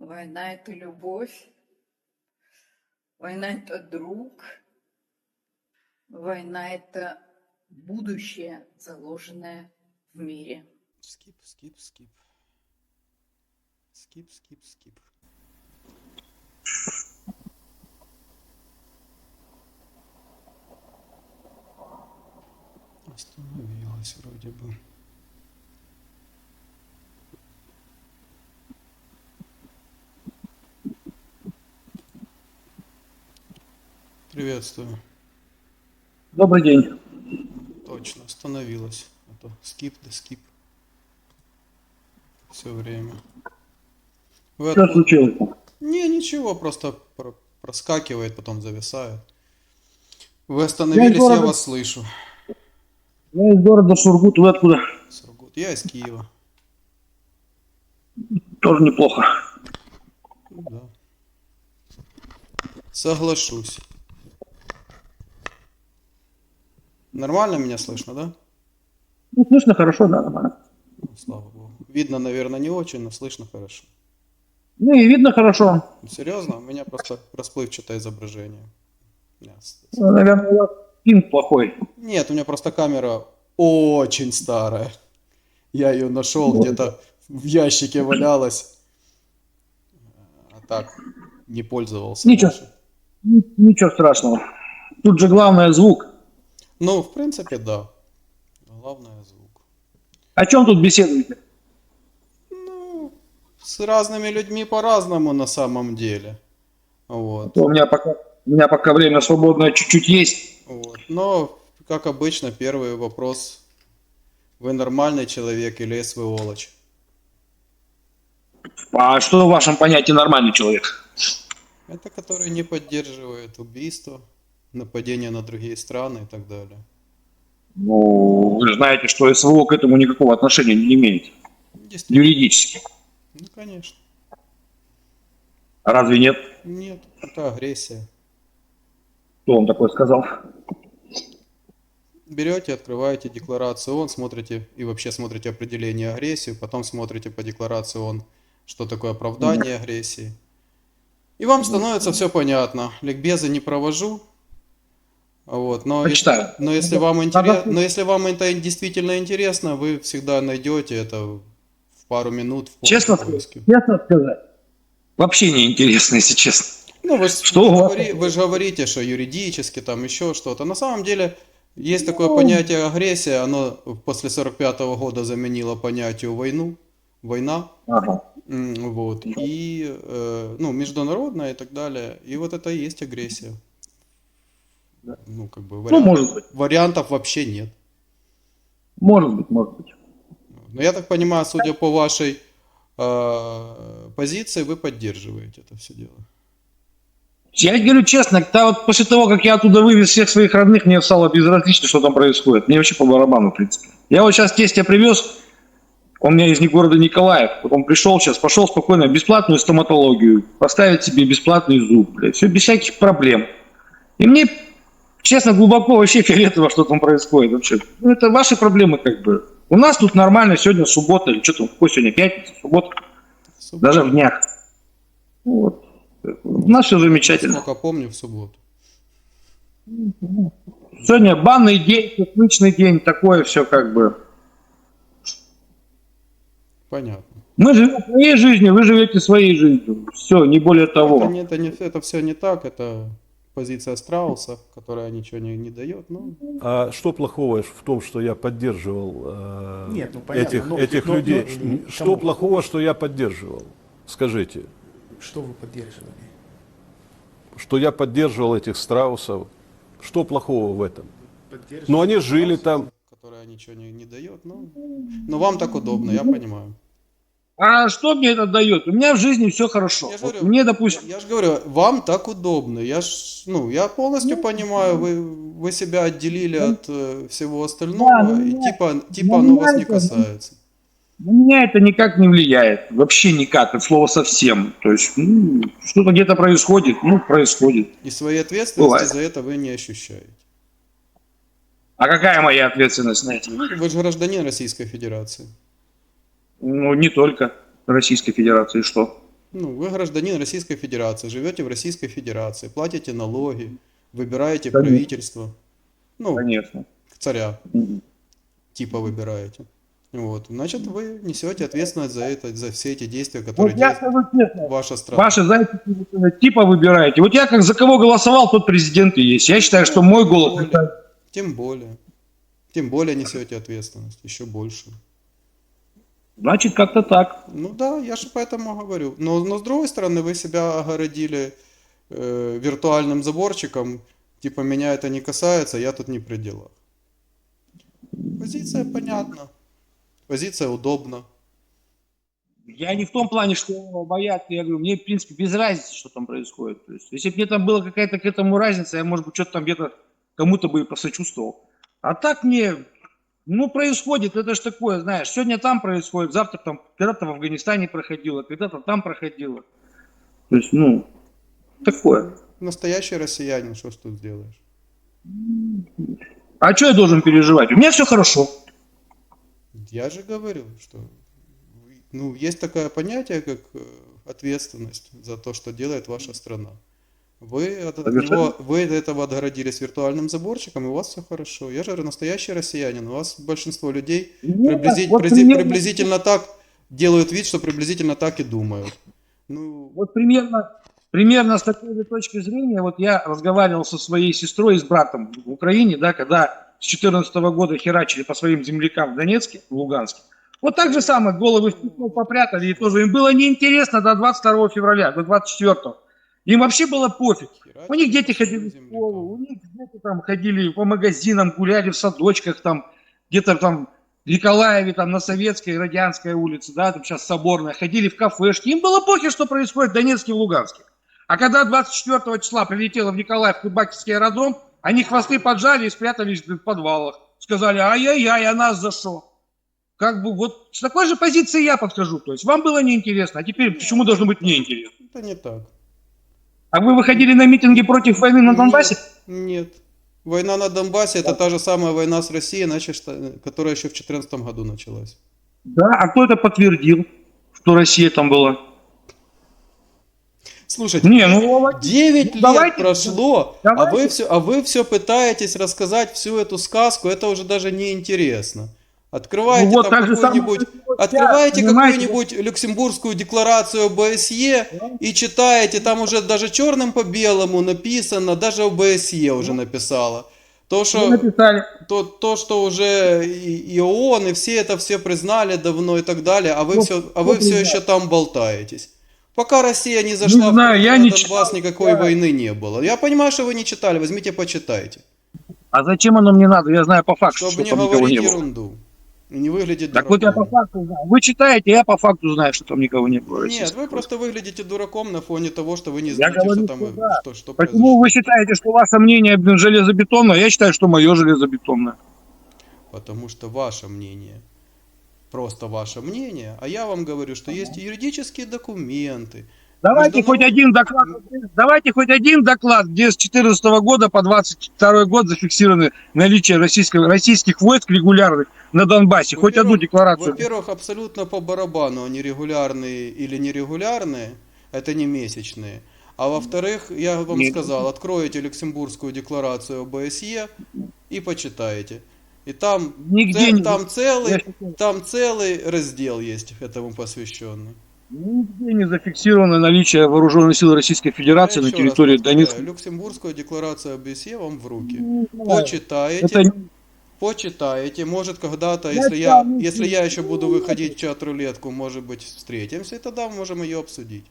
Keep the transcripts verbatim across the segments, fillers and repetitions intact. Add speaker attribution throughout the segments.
Speaker 1: Война — это любовь, война — это друг, война — это будущее, заложенное в мире.
Speaker 2: Скип, скип, скип. Скип, скип, скип. Остановилась вроде бы. Приветствую.
Speaker 3: Добрый день.
Speaker 2: Точно, остановилась. А то скип да скип. Все время. Вы
Speaker 3: Что
Speaker 2: откуда?
Speaker 3: случилось?
Speaker 2: Не, ничего, просто про- проскакивает, потом зависает. Вы
Speaker 3: Я из
Speaker 2: остановились, я
Speaker 3: города,
Speaker 2: вас слышу.
Speaker 3: я из города Сургут, вы откуда?
Speaker 2: Сургут. Я из Киева.
Speaker 3: Тоже неплохо.
Speaker 2: Ну да. Соглашусь. Нормально меня слышно, да?
Speaker 3: Ну, слышно хорошо, да, нормально.
Speaker 2: Ну, слава богу. Видно, наверное, не очень, но слышно хорошо.
Speaker 3: Ну и видно хорошо.
Speaker 2: Ну, серьезно? У меня просто расплывчатое изображение. У меня с- с-
Speaker 3: Ну, наверное, у вас пинг плохой.
Speaker 2: Нет, у меня просто камера очень старая. Я ее нашел,
Speaker 3: Вот.
Speaker 2: где-то в ящике валялась, а так не пользовался
Speaker 3: Ничего,
Speaker 2: больше.
Speaker 3: ни- ничего страшного. Тут же главное звук.
Speaker 2: Ну, в принципе, да. Главное звук.
Speaker 3: О чем тут беседуете?
Speaker 2: Ну, с разными людьми по-разному на самом деле.
Speaker 3: А
Speaker 2: Вот.
Speaker 3: то у меня пока, у меня пока время свободное чуть-чуть есть.
Speaker 2: Вот. Но, как обычно, первый вопрос. Вы нормальный человек или сволочь?
Speaker 3: А что в вашем понятии нормальный человек?
Speaker 2: Это который не поддерживает убийство, нападения на другие страны и так далее.
Speaker 3: Ну, вы же знаете, что СВО к этому никакого отношения не имеет.
Speaker 2: Действительно.
Speaker 3: Юридически.
Speaker 2: Ну, конечно.
Speaker 3: А разве нет?
Speaker 2: Нет, это агрессия.
Speaker 3: Кто вам такое сказал?
Speaker 2: Берете, открываете декларацию ООН, смотрите и вообще смотрите определение агрессии, потом смотрите по декларации ООН, что такое оправдание агрессии. И вам становится все понятно. Ликбезы не провожу. Вот, но, если,
Speaker 3: Почитаю.
Speaker 2: но, если вам
Speaker 3: Надо
Speaker 2: интерес,
Speaker 3: слушать.
Speaker 2: но если вам это действительно интересно, вы всегда найдете это в пару минут в
Speaker 3: Честно,
Speaker 2: поиске.
Speaker 3: честно сказать, вообще не интересно, если честно.
Speaker 2: Ну, вы, ж-
Speaker 3: Что
Speaker 2: вы, ж
Speaker 3: у вас?
Speaker 2: говори- вы же говорите, что юридически там еще что-то. На самом деле есть такое понятие агрессия, оно после сорок пятого года заменило понятие войну, война,
Speaker 3: Ага.
Speaker 2: м, вот, и, э, ну, международная и так далее. И вот это и есть агрессия. Ну, как бы
Speaker 3: Ну,
Speaker 2: вариант-
Speaker 3: может быть.
Speaker 2: вариантов вообще нет.
Speaker 3: Может быть, может быть.
Speaker 2: Но я так понимаю, судя по вашей э, позиции, вы поддерживаете это все дело.
Speaker 3: Я говорю честно, да, вот после того, как я оттуда вывез всех своих родных, мне стало безразлично, что там происходит. Мне вообще по барабану, в принципе. Я вот сейчас тестя привез, он у меня из города Николаев. Вот он пришел сейчас, пошел спокойно, бесплатную стоматологию, поставить себе бесплатный зуб, блядь, все без всяких проблем. И мне, честно, глубоко вообще фиолетово, что там происходит вообще. Ну, это ваши проблемы, как бы. У нас тут нормально, сегодня суббота, или что там, какой сегодня, пятница, суббота,
Speaker 2: Суббота.
Speaker 3: даже в днях. Вот. У нас все замечательно.
Speaker 2: Насколько помню, в субботу.
Speaker 3: Сегодня банный день, пятничный день, такое все как бы.
Speaker 2: Понятно.
Speaker 3: Мы живем своей жизнью, вы живете своей жизнью. Все, не более того.
Speaker 2: Это, не, это, не, это все не так, это позиция Страуса, которая ничего не, не дает. Ну,
Speaker 4: А что плохого в том, что я поддерживал э,
Speaker 5: Нет, ну, понятно,
Speaker 4: этих,
Speaker 5: но-
Speaker 4: этих
Speaker 5: но-
Speaker 4: людей?
Speaker 5: но-
Speaker 4: Ш- что
Speaker 5: кому?
Speaker 4: плохого, что я поддерживал? Скажите,
Speaker 5: Что вы поддерживали?
Speaker 4: что я поддерживал этих страусов? Что плохого в этом?
Speaker 5: Поддерживали
Speaker 4: Но они жили там.
Speaker 2: которая ничего не, не дает. Ну, но вам так удобно, я понимаю.
Speaker 3: А что мне это дает? У меня в жизни все хорошо.
Speaker 2: Я же
Speaker 3: Вот
Speaker 2: говорю,
Speaker 3: мне, допустим,
Speaker 2: я же говорю, вам так удобно. Я ж, ну, я полностью понимаю, вы, вы себя отделили от э, всего остального,
Speaker 3: Да, ну,
Speaker 2: и
Speaker 3: меня-
Speaker 2: типа, типа
Speaker 3: ну,
Speaker 2: оно
Speaker 3: меня
Speaker 2: вас не
Speaker 3: это-
Speaker 2: касается.
Speaker 3: на меня это никак не влияет. Вообще никак, от слова совсем. То есть, ну, что-то где-то происходит, ну, происходит.
Speaker 2: И своей ответственности
Speaker 3: Бывает.
Speaker 2: за это вы не ощущаете.
Speaker 3: А какая моя ответственность на это?
Speaker 2: Ну, вы же гражданин Российской Федерации.
Speaker 3: Ну, не только Российской Федерации, что?
Speaker 2: Ну, вы гражданин Российской Федерации, живете в Российской Федерации, платите налоги, выбираете
Speaker 3: Конечно.
Speaker 2: правительство. Ну,
Speaker 3: Конечно.
Speaker 2: царя
Speaker 3: Мгм.
Speaker 2: типа выбираете. Вот. Значит, вы несете ответственность за это, за все эти действия,
Speaker 3: Вот
Speaker 2: которые
Speaker 3: я
Speaker 2: делает
Speaker 3: скажу честно,
Speaker 2: ваша страна.
Speaker 3: ваши зайцы типа выбираете. Вот я как за кого голосовал, тот президент и есть. Я считаю, что мой
Speaker 2: Тем
Speaker 3: голос...
Speaker 2: более, тем более. Тем более несете ответственность, еще больше.
Speaker 3: Значит, как-то так.
Speaker 2: Ну да, я же поэтому говорю. Но, но с другой стороны, вы себя огородили э, виртуальным заборчиком, типа меня это не касается, я тут не при делах. Позиция понятна, позиция удобна.
Speaker 3: Я не в том плане, что боятся, я говорю, мне, в принципе, без разницы, что там происходит. То есть, если бы мне там была какая-то к этому разница, я, может быть, что-то там где-то кому-то бы и посочувствовал. А так мне, ну, происходит, это же такое, знаешь, сегодня там происходит, завтра там, когда-то в Афганистане проходило, когда-то там проходило. То есть, ну, такое.
Speaker 2: Настоящий россиянин, что ж тут сделаешь?
Speaker 3: А что я должен переживать? У меня все хорошо.
Speaker 2: Я же говорю, что ну, есть такое понятие, как э, ответственность за то, что делает ваша страна. Вы от, от него, вы от этого отгородились виртуальным заборчиком, и у вас все хорошо. Я же говорю, настоящий россиянин. У вас большинство людей
Speaker 3: Нет,
Speaker 2: приблизи-
Speaker 3: вот
Speaker 2: призи-
Speaker 3: примерно-
Speaker 2: приблизительно так делают вид, что приблизительно так и думают. Ну,
Speaker 3: Вот примерно, примерно с такой же точки зрения, вот я разговаривал со своей сестрой и с братом в Украине, да, когда с две тысячи четырнадцатого года херачили по своим землякам в Донецке, в Луганске. Вот так же самое, головы в петло попрятали, и тоже им было неинтересно до двадцать второго февраля, до двадцать четвёртого. Им вообще было пофиг. У них дети ходили в школу, у них дети там ходили по магазинам, гуляли в садочках, там где-то там в Николаеве, там на Советской, Радянской улице, да, там сейчас Соборная, ходили в кафешки. Им было похер, что происходит в Донецке и в Луганске. А когда двадцать четвёртого числа прилетело в Николаев Кубакинский аэродром, они хвосты поджали и спрятались в подвалах. Сказали, ай-яй-яй, а нас за что? Как бы вот с такой же позиции я подхожу. То есть вам было неинтересно, а теперь почему должно быть мне интересно?
Speaker 2: это не так.
Speaker 3: А вы выходили на митинги против войны на Донбассе?
Speaker 2: Нет, нет. Война на Донбассе это та же самая война с Россией, значит, что- которая еще в две тысячи четырнадцатом году началась.
Speaker 3: Да, а кто это подтвердил, что Россия там была?
Speaker 2: Слушайте,
Speaker 3: Не, ну
Speaker 2: девять
Speaker 3: ну,
Speaker 2: лет
Speaker 3: давайте,
Speaker 2: прошло, а
Speaker 3: давайте.
Speaker 2: вы все, а вы все пытаетесь рассказать всю эту сказку, это уже даже не интересно. Открываете
Speaker 3: Ну вот
Speaker 2: там
Speaker 3: так же
Speaker 2: какую-нибудь,
Speaker 3: самое происходит
Speaker 2: открываете
Speaker 3: сейчас, понимаете?
Speaker 2: какую-нибудь Люксембургскую декларацию ОБСЕ и читаете, там уже даже черным по белому написано, даже ОБСЕ уже написала. То,
Speaker 3: Вы
Speaker 2: что,
Speaker 3: написали.
Speaker 2: то, то, что уже и, и ООН, и все это все признали давно и так далее, а вы
Speaker 3: Ну,
Speaker 2: все, а вы
Speaker 3: кто
Speaker 2: все
Speaker 3: признал?
Speaker 2: еще там болтаетесь. Пока Россия не зашла
Speaker 3: знаю,
Speaker 2: в
Speaker 3: я
Speaker 2: на
Speaker 3: не
Speaker 2: Донбасс,
Speaker 3: читал,
Speaker 2: никакой
Speaker 3: я-
Speaker 2: войны не было. Я понимаю, что вы не читали, возьмите, почитайте.
Speaker 3: А зачем оно мне надо? Я знаю по факту,
Speaker 2: Чтобы
Speaker 3: что
Speaker 2: не
Speaker 3: там никого
Speaker 2: говорить
Speaker 3: не было.
Speaker 2: ерунду. И не выглядеть
Speaker 3: Так вот я по
Speaker 2: дураком.
Speaker 3: факту знаю. Вы читаете, я по факту знаю, что там никого не было.
Speaker 2: Нет, вы просто выглядите дураком на фоне того, что вы не
Speaker 3: Я
Speaker 2: знаете,
Speaker 3: говорю,
Speaker 2: что там
Speaker 3: что
Speaker 2: и-
Speaker 3: да.
Speaker 2: что, что
Speaker 3: Почему
Speaker 2: произошло.
Speaker 3: вы считаете, что ваше мнение, блин, железобетонное? Я считаю, что мое железобетонное.
Speaker 2: Потому что ваше мнение, просто ваше мнение, а я вам говорю, что есть юридические документы.
Speaker 3: Давайте
Speaker 2: Международ-
Speaker 3: хоть один доклад, давайте хоть один доклад, где с четырнадцатого года по двадцать второй год зафиксированы наличие российского, российских войск регулярных на Донбассе. Хоть одну
Speaker 2: Во-первых-
Speaker 3: декларацию.
Speaker 2: Во-первых, абсолютно по барабану, они регулярные или нерегулярные, это не месячные. А во-вторых, я вам
Speaker 3: Нет.
Speaker 2: сказал, откроете Люксембургскую декларацию ОБСЕ и почитайте. И там,
Speaker 3: Нигде
Speaker 2: це-
Speaker 3: не-
Speaker 2: там,
Speaker 3: Я
Speaker 2: целый,
Speaker 3: считаю,
Speaker 2: там целый раздел есть этому посвященный.
Speaker 3: Нигде не зафиксировано наличие вооруженных сил Российской Федерации
Speaker 2: Я
Speaker 3: на
Speaker 2: еще раз
Speaker 3: территории
Speaker 2: повторяю,
Speaker 3: Донецка.
Speaker 2: Люксембургскую декларацию ОБСЕ вам в руки.
Speaker 3: Не знаю.
Speaker 2: Почитаете.
Speaker 3: Это
Speaker 2: Почитаете, может когда-то,
Speaker 3: Я
Speaker 2: если я,
Speaker 3: там не
Speaker 2: если я еще буду
Speaker 3: знаю.
Speaker 2: выходить в чат-рулетку, может быть, встретимся, и тогда можем ее обсудить.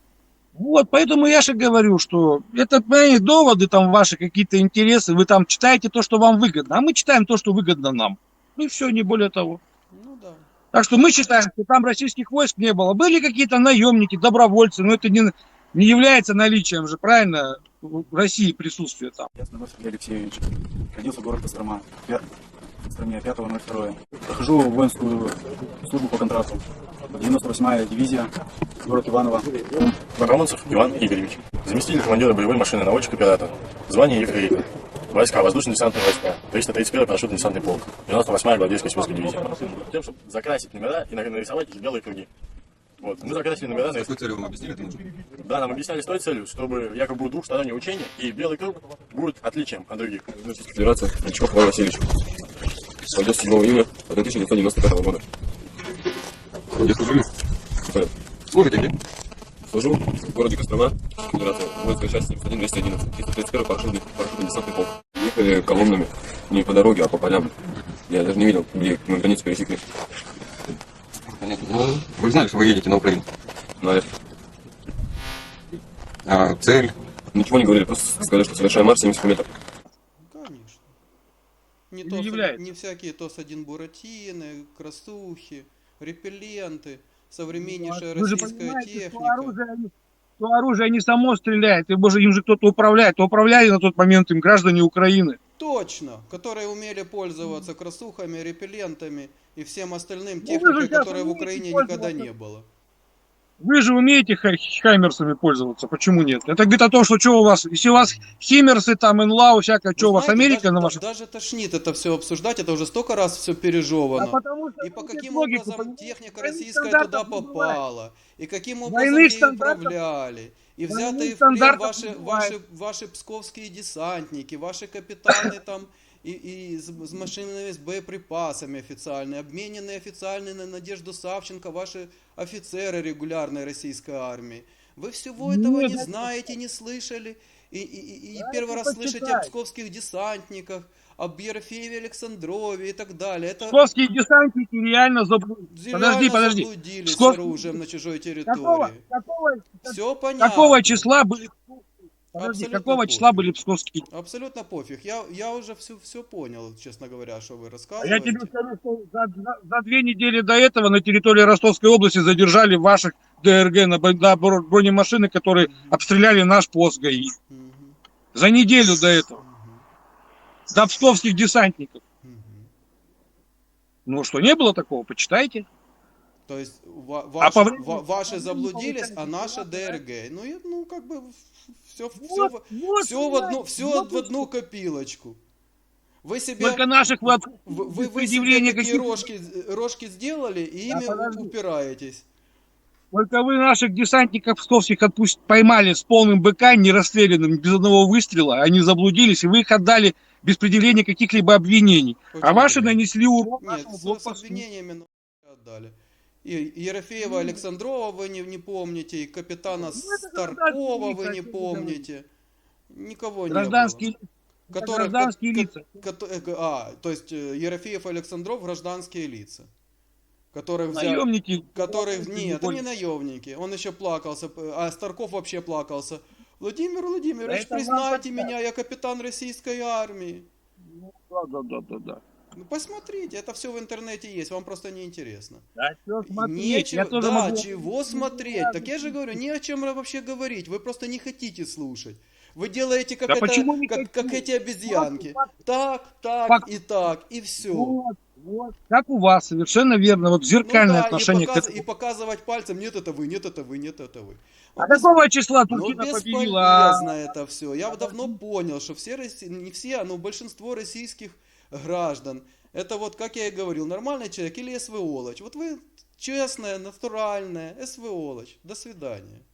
Speaker 3: Вот, поэтому я же говорю, что это мои доводы, там ваши какие-то интересы, вы там читаете то, что вам выгодно, а мы читаем то, что выгодно нам. Ну и все, не более того.
Speaker 2: Ну да.
Speaker 3: Так что мы считаем, что там российских войск не было. Были какие-то наемники, добровольцы, но это не, не является наличием же, правильно, в России присутствия там.
Speaker 6: Я Снегов Сергей Алексеевич. Родился в городе Кострома. Пя- В Костроме пятого ноль второго. Прохожу воинскую службу по контракту. девяносто восьмая дивизия, город Иваново.
Speaker 7: Романцев Иван Игоревич. Заместитель командира боевой машины, наводчик оператор. Звание ефрейтор. Войска, воздушно-десантные войска. триста тридцать первый парашютно-десантный полк. девяносто восьмая гвардейская сибирская дивизия. Тем, чтобы закрасить номера и нарисовать их белые круги. Вот. Мы закрасили номера на
Speaker 8: С какой целью вам объяснили это нужно?
Speaker 7: Да, нам объясняли с той целью, чтобы якобы будет двухстороннее учение, и белый круг будет отличием от других.
Speaker 8: Российская Федерация, Кличков Иван Васильевич. Родился седьмого июля тысяча девятьсот девяносто пятого года. Где служили? Служите где? Служу в городе Кострома, Федерация, воинская часть семьдесят один двести одиннадцать, триста тридцать первый парашютный, парашютный десантный полк. Ехали колоннами не по дороге, а по полям. Я даже не видел, где мы границу пересекли. Понятно. Ну, вы знали, что вы едете на Украину? Знали. А цель? Ничего не говорили, просто сказали, что совершаем марш семьдесят километров.
Speaker 2: Конечно. Не,
Speaker 3: Не
Speaker 2: то,
Speaker 3: удивляется.
Speaker 2: не всякие ТОС один буратины, красухи, репелленты, современнейшая
Speaker 3: Вы же
Speaker 2: российская
Speaker 3: понимаете, что
Speaker 2: техника.
Speaker 3: оружие, они- что оружие не само стреляет, и, боже, им же кто-то управляет. Управляли на тот момент им граждане Украины.
Speaker 2: Точно, которые умели пользоваться красухами, репеллентами и всем остальным
Speaker 3: Ну, вы же
Speaker 2: техникой,
Speaker 3: сейчас
Speaker 2: которой в
Speaker 3: умеете
Speaker 2: Украине никогда
Speaker 3: пользоваться.
Speaker 2: не было.
Speaker 3: Вы же умеете хай- хаймерсами пользоваться, почему нет? Это говорит о том, что что у вас, если у вас химмерсы, там, инлау, всякое,
Speaker 2: Вы
Speaker 3: что у вас,
Speaker 2: знаете,
Speaker 3: Америка
Speaker 2: даже,
Speaker 3: на
Speaker 2: да-
Speaker 3: вашем...
Speaker 2: даже тошнит это все обсуждать, это уже столько раз все
Speaker 3: А
Speaker 2: пережевано.
Speaker 3: потому что
Speaker 2: И по
Speaker 3: это
Speaker 2: каким
Speaker 3: логику,
Speaker 2: образом
Speaker 3: понимаете?
Speaker 2: техника
Speaker 3: Двойных
Speaker 2: российская
Speaker 3: стандартов
Speaker 2: туда
Speaker 3: не бывает.
Speaker 2: попала, и каким образом
Speaker 3: Двойных
Speaker 2: ею
Speaker 3: стандартов-
Speaker 2: управляли, и
Speaker 3: двойных
Speaker 2: взятые в плен
Speaker 3: стандартов
Speaker 2: ваши,
Speaker 3: не бывает.
Speaker 2: ваши, ваши псковские десантники, ваши капитаны там, и, и с, с машинами, с боеприпасами официальные, обмененные официально на Надежду Савченко, ваши офицеры регулярной российской армии. Вы всего этого
Speaker 3: Нет,
Speaker 2: не
Speaker 3: это-
Speaker 2: знаете, не слышали, и, и, и- и
Speaker 3: Да,
Speaker 2: первый
Speaker 3: это
Speaker 2: раз слышите о
Speaker 3: почитайте.
Speaker 2: псковских десантниках, об Ерофееве Александрове и так далее. Это
Speaker 3: Псковские десантники реально заблудились.
Speaker 2: реально
Speaker 3: Подожди, подожди.
Speaker 2: заблудились с
Speaker 3: Псков-
Speaker 2: оружием на чужой
Speaker 3: Какого,
Speaker 2: территории.
Speaker 3: какого,
Speaker 2: Все понятно.
Speaker 3: какого числа были... Подожди,
Speaker 2: Абсолютно
Speaker 3: какого
Speaker 2: пофиг.
Speaker 3: числа были псковские...
Speaker 2: Абсолютно пофиг. Я, я уже все, все понял, честно говоря, что вы
Speaker 3: А я
Speaker 2: рассказываете.
Speaker 3: тебе скажу, что за, за- за две недели до этого на территории Ростовской области задержали ваших ДРГ на, бо- на бро- бронемашины, которые обстреляли наш пост ГАИ.
Speaker 2: Мгм,
Speaker 3: За неделю до этого.
Speaker 2: мгм,
Speaker 3: До псковских десантников.
Speaker 2: мгм.
Speaker 3: Ну что, не было такого? Почитайте.
Speaker 2: То есть ва-
Speaker 3: А
Speaker 2: ваши,
Speaker 3: по времени-
Speaker 2: ва- ваши
Speaker 3: по времени
Speaker 2: заблудились, а
Speaker 3: получается,
Speaker 2: наши
Speaker 3: да.
Speaker 2: ДРГ. Ну, и, ну как бы все, все,
Speaker 3: Вот, вот,
Speaker 2: все, в одну,
Speaker 3: вот,
Speaker 2: все
Speaker 3: вот
Speaker 2: в одну копилочку. Вы себе,
Speaker 3: Только наших вы, от-
Speaker 2: вы, вы,
Speaker 3: без
Speaker 2: вы себе
Speaker 3: предъявления
Speaker 2: такие
Speaker 3: каких-то-
Speaker 2: рожки, рожки сделали и
Speaker 3: Да,
Speaker 2: ими
Speaker 3: подожди.
Speaker 2: упираетесь.
Speaker 3: Только вы наших десантников псковских отпусть... поймали с полным БК, не расстрелянным, без одного выстрела. Они заблудились, и вы их отдали без предъявления каких-либо обвинений. А
Speaker 2: Очень
Speaker 3: ваши
Speaker 2: приятно.
Speaker 3: нанесли урон
Speaker 2: Нет,
Speaker 3: нашему
Speaker 2: с, с
Speaker 3: блокпосту.
Speaker 2: обвинениями ну, отдали. И Ерофеева Александрова вы не, не помните, и капитана
Speaker 3: это
Speaker 2: Старкова вы
Speaker 3: гражданские
Speaker 2: не
Speaker 3: лица,
Speaker 2: помните. Никого
Speaker 3: Гражданские,
Speaker 2: не было.
Speaker 3: это
Speaker 2: Которые-
Speaker 3: гражданские
Speaker 2: ко-
Speaker 3: лица.
Speaker 2: Кото- э, а, то есть э, Ерофеев и Александров гражданские лица. Которых взяли...
Speaker 3: Наемники.
Speaker 2: Которых...
Speaker 3: наемники,
Speaker 2: Нет, это не
Speaker 3: более.
Speaker 2: наемники. Он еще плакался, п- а Старков вообще плакался. Владимир Владимирович,
Speaker 3: Да это
Speaker 2: признайте
Speaker 3: вам
Speaker 2: меня, я капитан российской армии.
Speaker 3: Да, да, да, да, да.
Speaker 2: Ну посмотрите, это все в интернете есть, вам просто не интересно.
Speaker 3: Да, чё смотреть,
Speaker 2: Нечего,
Speaker 3: я тоже
Speaker 2: да,
Speaker 3: могу-
Speaker 2: чего смотреть? Так я же говорю, не о чем вообще говорить, вы просто не хотите слушать. Вы делаете как,
Speaker 3: Да
Speaker 2: это,
Speaker 3: почему не
Speaker 2: как,
Speaker 3: хотите?
Speaker 2: как эти обезьянки.
Speaker 3: Факт,
Speaker 2: Так, так
Speaker 3: Факт.
Speaker 2: и так, и все.
Speaker 3: Вот, вот. Как у вас, совершенно верно. Вот
Speaker 2: Ну
Speaker 3: зеркальное
Speaker 2: да, и,
Speaker 3: отношение к
Speaker 2: показ-
Speaker 3: этому.
Speaker 2: и показывать пальцем, нет, это вы, нет, это вы, нет, это вы.
Speaker 3: А какого числа
Speaker 2: Ну,
Speaker 3: Туркина
Speaker 2: бесполезно
Speaker 3: победила? А?
Speaker 2: это все. Я давно понял, что все, росси- не все, но большинство российских граждан, это вот, как я и говорил, нормальный человек или СВОлочь. Вот вы честная, натуральная СВОлочь. До свидания.